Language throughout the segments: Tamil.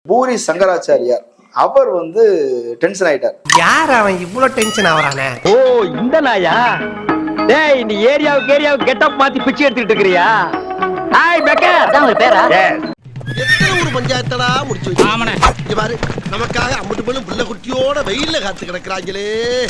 பூரி சங்கராச்சாரியார் அவர் வந்து டென்ஷன் ஆயிட்டார். யார் அவன் இவ்வளவு டென்ஷன் ஆவறானே? ஓ இந்த நாயா? டேய் இந்த ஏரியாவுக்கு கெட்டப் மாத்தி பிச்சை எடுத்துட்டு இருக்கறியா? ஹாய் பெக்கர் அதான் ஒரு பேரா? எத்தனை ஒரு பஞ்சாயத்தடா முடிச்சு வச்சு. ஆமாண்ணே. இங்க பாரு நமக்காக அம்பட்டு பெண்ணும் புள்ள குட்டியோட வெயில்ல காத்து கிடக்குறாங்களே.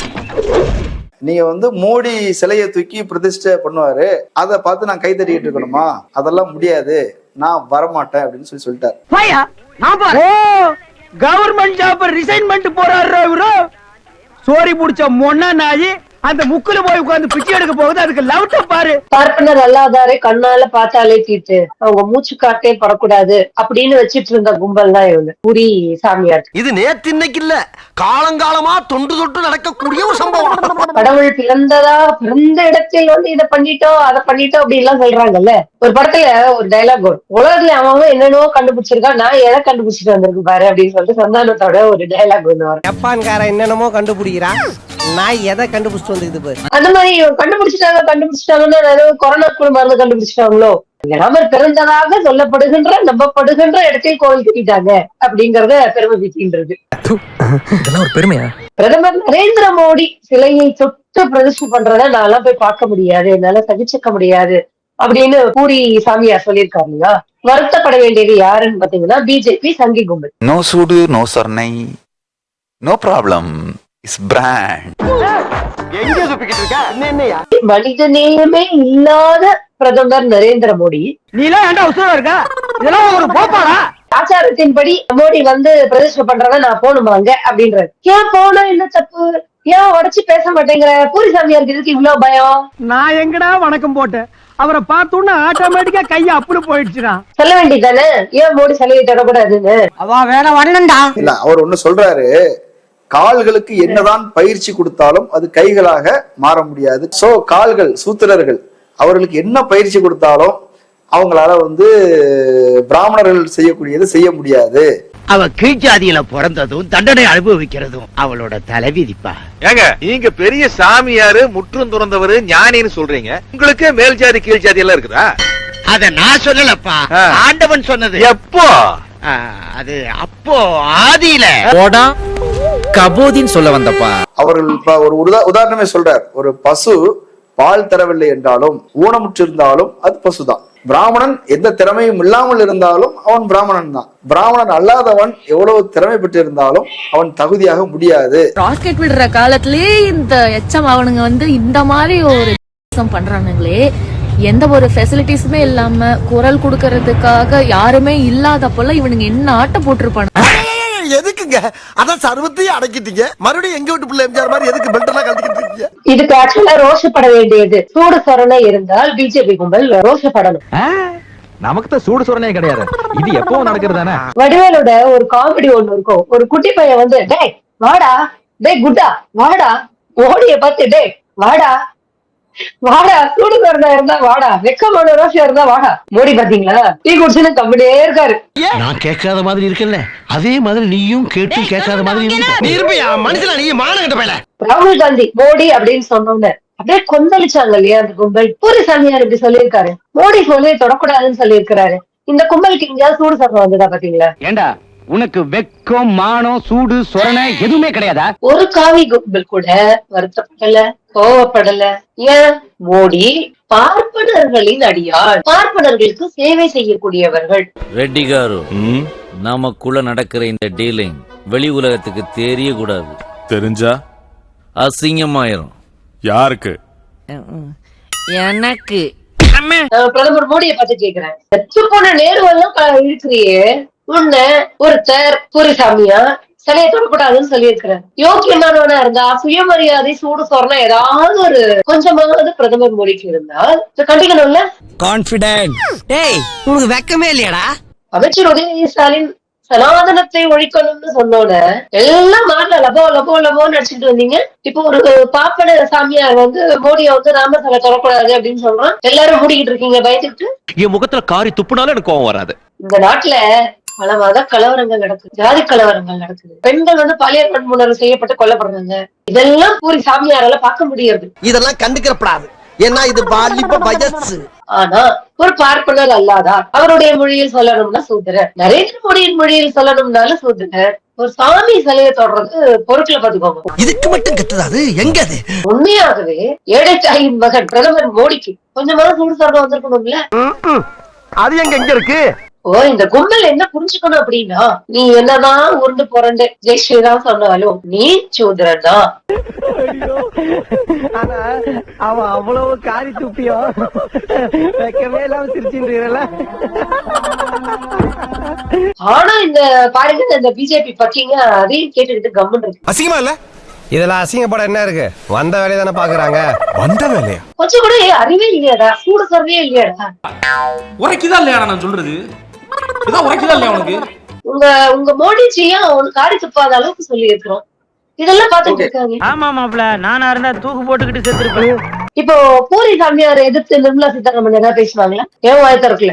நீங்க வந்து மோடி சிலையை தூக்கி பிரதிஷ்டை பண்ணுவாரு, அதை பார்த்து நான் கை தட்டிட்டு இருக்கணுமா? அதெல்லாம் முடியாது, நான் வரமாட்டேன் அப்படின்னு சொல்லிட்டார். பையா நான் பாரு. ஓ கவர்மெண்ட் ஜாப் ரிசைன்மென்ட் போறாரு இவரு. சோரி புடிச்ச மொண்ணா நாயி அந்த முக்குல போய் உட்கார்ந்து பிச்சை எடுக்க போகுது. அதுக்கு லவுட்ட பாரு. பார்ப்பனர் அல்லாதாரே கண்ணால பார்த்தாலே தீட்டு, அவங்க மூச்சு காட்டே படக்கூடாது அப்படின்னு வச்சிட்டு இருந்த கும்பல் தான் இவங்க பூரி சாமியார். இது நேத்து இன்னைக்கு இல்ல, காலங்காலமா தொண்டு தொட்டு நடக்கக்கூடிய ஒரு சம்பவம். கடவுள் பிறந்த இடத்தில் வந்து இதை பண்ணிட்டோம் அதை பண்ணிட்டோம் அப்படி எல்லாம் சொல்றாங்கல்ல. ஒரு படத்துல ஒரு டைலாக் வரும், உலகத்துல அவன் என்னென்னவோ கண்டுபிடிச்சிருக்கான், நான் எதை கண்டுபிடிச்சிட்டு வந்திருக்கு பாரு அப்படின்னு சொல்லிட்டு சந்தானத்தோட ஒரு டைலாக் ஒண்ணு வரும். ஜப்பான்காரன் என்னென்னமோ கண்டுபிடிக்கிறான், நான் எதை கண்டுபிடிச்சிட்டு வந்து பாரு. அந்த மாதிரி கண்டுபிடிச்சிட்டாங்கன்னா கொரோனா மருந்து கண்டுபிடிச்சிட்டாங்களோ. ராமர் பிறந்ததாக சொல்லப்படுகின்ற நம்பப்படுகின்ற இடத்தில் கோவில் கட்டிட்டாங்க அப்படிங்கறத பெருமை பீத்தின்றது. ஒரு பெருமையா? பிரதமர் நரேந்திர மோடி சிலையை தொட்டு பிரதிஷ்டை பண்றத நான்லாம் போய் பார்க்க முடியாது, என்னால சகிச்சுக்க முடியாது அப்படின்னு பூரி சாமியார் சொல்லியிருக்காரு இல்லையா. வருத்தப்பட வேண்டியது யாருன்னு பாத்தீங்கன்னா பிஜேபி சங்கி கும்பல். நோ சூடு நோ சொர்ணை, நோ ப்ராப்ளம், இஸ் பிராண்ட். எங்க சுப்பிக்கிட்டு இருக்க? என்னையா மனித நேயமே இல்லாத பிரதமர் நரேந்திர மோடி. நீலாம் ஏன்டா உசுரா இருக்க? இதெல்லாம் ஒரு போப்பாடா? ஆச்சாரத்தின்படி மோடி வந்து பிரதிஷ்டை பண்றத நான் போகணுமாங்க அப்படின்றாரு. ஏன் போனா என்ன தப்பு, ஏன் உடச்சு பேச மாட்டேங்கிற? பூரி சாமியாருக்கு இதுக்கு இவ்வளவு பயம்? நான் எங்கடா வணக்கம் போட்டேன், அவரை பார்த்தோன்னா ஆட்டோமேட்டிக்கா கைய அப்படி போயிடுச்சுடா. சொல்ல வேண்டியதானே ஏன் மோடி சிலையை தொடக்கூடாதுன்னு? அவ வேற வரணும்டா. இல்ல, அவர் ஒண்ணு சொல்றாரு, கால்களுக்கு என்னதான் பயிற்சி கொடுத்தாலும் அது கைகளாக மாற முடியாது. சோ கால்கள் சூத்திரர்கள் அவர்களுக்கு என்ன பயிற்சி கொடுத்தாலும் அவங்களால வந்து பிராமணர்கள் செய்யக்கூடியது செய்ய முடியாது. அவ கீழ்ஜாதியில பிறந்ததும் தண்டனை அனுபவிக்கிறதும் அவளோட தலைவிதிப்பா. ஏங்க நீங்க பெரிய சாமியாரு, முற்றும் துறந்தவரு, ஞானின்னு சொல்றீங்க, உங்களுக்கு மேல் ஜாதி கீழ் ஜாதி எல்லாம் இருக்குதா? அத நான் சொல்லலப்பா, ஆண்டவன் சொன்னது. எப்போ? அது அப்போ ஆதியில கபோதின்னு சொல்ல வந்தப்பா. அவர்கள் ஒரு உதாரணமே சொல்றார், ஒரு பசு பால் தரவில்லை என்றாலும் ஊனமுற்று இருந்தாலும் அது பசுதான். பிராமணன் எந்த திறமையும் இல்லாமல் இருந்தாலும் அவன் பிராமணன் தான். பிராமணன் அல்லாதவன் எவ்வளவு திறமை பெற்று இருந்தாலும் அவன் தகுதியாக முடியாது. ராக்கெட் விடுற காலத்திலேயே இந்த எச்சம் அவனுங்க வந்து இந்த மாதிரி ஒரு பண்றானுங்களே, எந்த ஒரு ஃபெசிலிட்டிஸுமே இல்லாம குரல் கொடுக்கறதுக்காக யாருமே இல்லாத போல இவனுங்க என்ன ஆட்ட போட்டிருப்பானு. எதுக்குங்க அதான் சர்வத்தையும் அடக்கிட்டீங்க, மறுபடியும் எங்க வீட்டு பிள்ளை எம்ஜிஆர் மாதிரி எதுக்கு பெல்ட் எல்லாம் கழட்டிக்கிட்டு இருக்கீங்க? இதுக்கு ஆக்சுவலா ரோஷப்பட வேண்டியது சூடு சொரணை இருந்தால் பிஜேபி கும்பல் ரோஷப்படணும். நமக்கு தான் சூடு சொரணே கிடையாது, இது எப்பவும் நடக்கிறதானே. வடிவேலோட ஒரு காமெடி ஒண்ணு இருக்கும், ஒரு குட்டி பையன் வந்து டேய் வாடா, டேய் குட்டா வாடா, மோடிய பார்த்து டேய் வாடா வாடா, சூடு சொரணை இருந்தா வாடா, வெக்கமான ரோஷம் இருந்தா வாடா. மோடி பாத்தீங்களா டீ குடிச்சுன்னு கம்பிட்டே இருக்காரு. நான் கேட்காத மாதிரி இருக்கல, அதே மாதிரி நீயும் கேட்டு கேட்காத மாதிரி நீ இருப்பியா மனுஷனா? நீ மானகிட்ட போயல. ராகுல் காந்தி மோடி அப்படின்னு சொன்னோன்னு அப்படியே கொந்தளிச்சாங்க இல்லையா அந்த கும்பல். பூரி சாமியார் இப்படி சொல்லியிருக்காரு, மோடி போலே தொடக்கூடாதுன்னு சொல்லியிருக்கிறாரு. இந்த கும்பலுக்கு எங்கேயாவது சூடு சொரணை வந்துதா பாத்தீங்களா? ஏண்டா உனக்கு வெக்கம் மானம் சூடு சொரணை எதுவுமே கிடையாதா? ஒரு காவி கும்பல் கூட வருத்தப்படல, கோவப்படல. ஏன்? மோடி பார்ப்பனர்களின் அடியாள், பார்ப்பனர்களுக்கு சேவை செய்யக்கூடியவர்கள். ரெட்டி காரு, நமக்குள்ள நடக்கிற இந்த டீலிங் வெளி உலகத்துக்கு தெரிய கூடாது. தெரிஞ்சா அசிங்கமாயிரும். யாருக்கு? எனக்கு. பிரதமர் மோடியை பார்த்து கேக்குறேன், செத்து போன நேருவெல்லாம் இருக்கிறியே, உன்ன ஒருத்தர் பூரி சாமியா சிலையை தொடக்கூடாதுன்னு சொல்லியிருக்கிறார். யோக்கியமானவனா இருந்தா சுயமரியாதை சூடு சொரணை ஏதாவது ஒரு கொஞ்சமாவது பிரதமர் மோடிக்கு இருந்தால் கண்டிக்கணும்ல. கான்பிடென்ட். டேய் உனக்கு வெக்கமே இல்லையாடா? அமைச்சர் உதயநிதி ஸ்டாலின் சனாதனத்தை ஒழிக்கணும்னு சொன்னோட எல்லாம் மாறல, லபோ லபோ லபோன்னு அடிச்சுட்டு வந்தீங்க. இப்போ ஒரு பாப்பன சாமியார் வந்து மோடியை வந்து ராமர் சிலை தொடக்கூடாது அப்படின்னு சொல்றான், எல்லாரும் மூடிக்கிட்டு இருக்கீங்க பயந்துட்டு. என் முகத்துல காரி துப்புனாலும் எனக்கு கோவம் வராது. இந்த நாட்டுல பல மத கலவரங்கள் நடக்குது, ஜாதி கலவரங்கள் நடக்குது, பெண்கள் வந்து பாலியல் வன்முறை செய்யப்பட்டு கொல்லப்படுறாங்க. இதெல்லாம் பூரி சாமியாரால பார்க்க முடியாது. இதெல்லாம் கண்டுக்கிறப்படாது. ஏன்னா இது பாலிப்ப வயசு. ஆனா ஒரு பார்ப்பனர் அல்லாதார் அவருடைய மொழியில் சொல்லணும்னா சூத்திரர், நரேந்திர மோடியின் மொழியில் சொல்லணும்னாலும் சூத்திரர். ஒரு சாமி சிலையை தொடர்றது பொருட்களை பாத்துக்கோங்க. இதுக்கு மட்டும் கத்துறாது எங்க அது? உண்மையாகவே ஏழை தாயின் மகன் பிரதமர் மோடிக்கு கொஞ்சமாவது சூடு சொரணம் வந்திருக்கணும்ல. அது எங்க இருக்கு? ஓ, இந்த கும்பல் என்ன புரிஞ்சுக்கணும் அப்படின்னா, நீ என்னதான் உருண்டு புரண்டு ஜெய் ஸ்ரீராம் சொன்னாலும் நீ சூத்திரன் தான். ஆனா அவன் அவ்வளவு காரி துப்பியோ வைக்கவே இல்லாம சிரிச்சுன்றீங்கல்ல. ஆனா இந்த பாருங்க, இந்த பிஜேபி பற்றிங்க அதையும் கேட்டுக்கிட்டு கம்முன்னு இருக்கு. அசிங்கமா இல்ல? இதெல்லாம் அசிங்கப்பட என்ன இருக்கு? வந்த வேலையை தானே பாக்குறாங்க. வந்த வேலையா? கொஞ்சம் கூட அறிவே இல்லையாடா, சூடு சொரவே இல்லையாடா. உரைக்குதா இல்லையா நான் சொல்றது? இதான் உரைக்குதா இல்லையா உனக்கு? உங்க மோடிஜியா உன் காரி துப்பாத அளவுக்கு சொல்லி இருக்கிறோம். இதெல்லாம் பாத்துட்டு இருக்காங்க. ஆமா மாப்ள, நானா இருந்தா தூக்கு போட்டுக்கிட்டு செத்துருப்பேன். இப்போ பூரி சாமியாரை எதிர்த்து நிர்மலா சீதாராமன் ஏதாவது பேசுவாங்களா? ஏன் வாய் திறக்கல?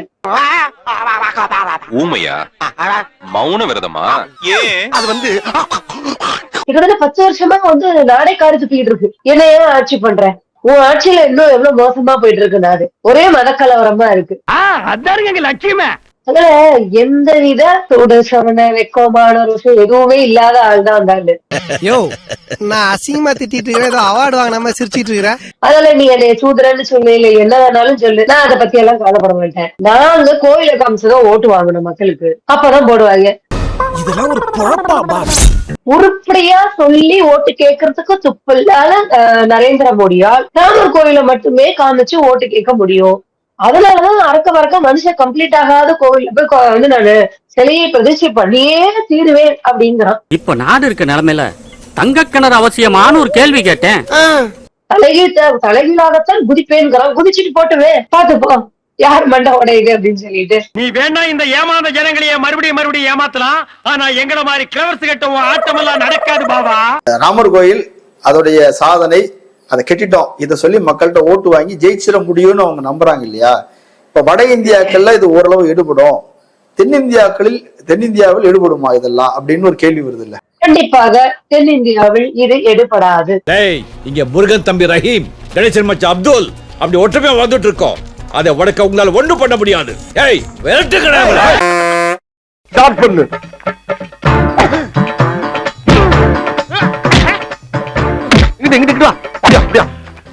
ஊமையா? மௌன விரதமா? ஏன்? அது வந்து கிட்டத்தட்ட 10 வருஷமா நாடே காரி துப்பிட்டு இருக்கு. என்ன ஏன் ஆட்சி பண்ற? உன் ஆட்சியில இன்னும் எவ்வளவு மோசமா போயிட்டு இருக்கு நாடு. ஒரே மதக்கலவரமா இருக்கு. அதாருங்க எங்க லட்சியமே. அதுல எந்த வித சூடு சொரண வெக்கமான ஒரு விஷயம் எதுவுமே இல்லாத ஆள் தான் வந்தாரு. யோ, நான் அசிங்கமா திட்டிட்டு இருக்கிறேன், ஏதோ அவார்டு வாங்கினாம சிரிச்சிட்டு இருக்கிறேன். அதெல்லாம் நீ என்னைய சூதுரன்னு சொல்லு, இல்ல என்ன வேணாலும் சொல்லு, நான் அதை பத்தி எல்லாம் கவலைப்பட மாட்டேன். நாங்க கோயில காமிச்சுதான் ஓட்டு வாங்கணும் மக்களுக்கு, அப்பதான் போடுவாங்க. இதெல்லாம் ஒரு பொழப்பா? உருப்படியா சொல்லி ஓட்டு கேட்கறதுக்கு துப்பில்லாத நரேந்திர மோடியால் ராமர் கோயில மட்டுமே காமிச்சு ஓட்டு கேட்க முடியும். அதனாலதான் அறக்க பறக்க மனுஷன் கம்ப்ளீட் ஆகாத கோவில்ல போய் நானு சிலையை பிரதிஷ்டை பண்ணியே தீருவேன் அப்படிங்கிறான். இப்ப நாடு இருக்க நிலைமையில தங்க கிணறு அவசியமான ஒரு கேள்வி கேட்டேன். தலைகீழாகத்தான் குதிப்பேன்கிறான். குதிச்சுட்டு போட்டுவே பாத்துப்போ யார் மண்டை உடையுது அப்படின்னு சொல்லிட்டு. நீ வேணா இந்த ஏமாந்த ஜனங்களையே மறுபடியும் ஏமாத்தலாம், ஆனா எங்கள மாதிரி கிளவர்ஸ் கட்ட ஆட்டம் எல்லாம் நடக்காது பாபா. ராமர் கோயில் அதோடைய சாதனை, அதை கெட்டிட்டோம், இதை சொல்லி மக்கள்கிட்ட ஓட்டு வாங்கி ஜெயிச்சிட முடியும்னு அவங்க நம்புறாங்க இல்லையா? இப்ப வட இந்தியாக்கள்ல இது ஓரளவு எடுபடும், தென்னிந்தியாவில் எடுபடுமா இதெல்லாம் அப்படின்னு ஒரு கேள்வி வருது இல்ல? கண்டிப்பாக தென்னிந்தியாவில் இது எடுபடாது. இங்க முருகன் தம்பி ரஹீம், கணேசன் மச்சான் அப்துல் அப்படி ஒற்றுமையா வந்துட்டு இருக்கோம். அதை உடக்க உங்களால ஒண்ணும் பண்ண முடியாது. ஏய் விரட்டு கிடையாது. ஸ்டார்ட் பண்ணு. இங்கிட்டு வா. அப்படியா?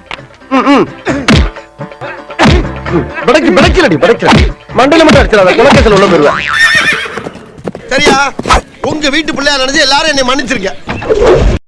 படைக்கல மண்டல மட்டும் அடிச்சிடாத, குலக்கத்தில் உள்ள போயிருவேன். சரியா? உங்க வீட்டு பிள்ளையா நினைச்சு எல்லாரும் என்னை மன்னிச்சிருக்க.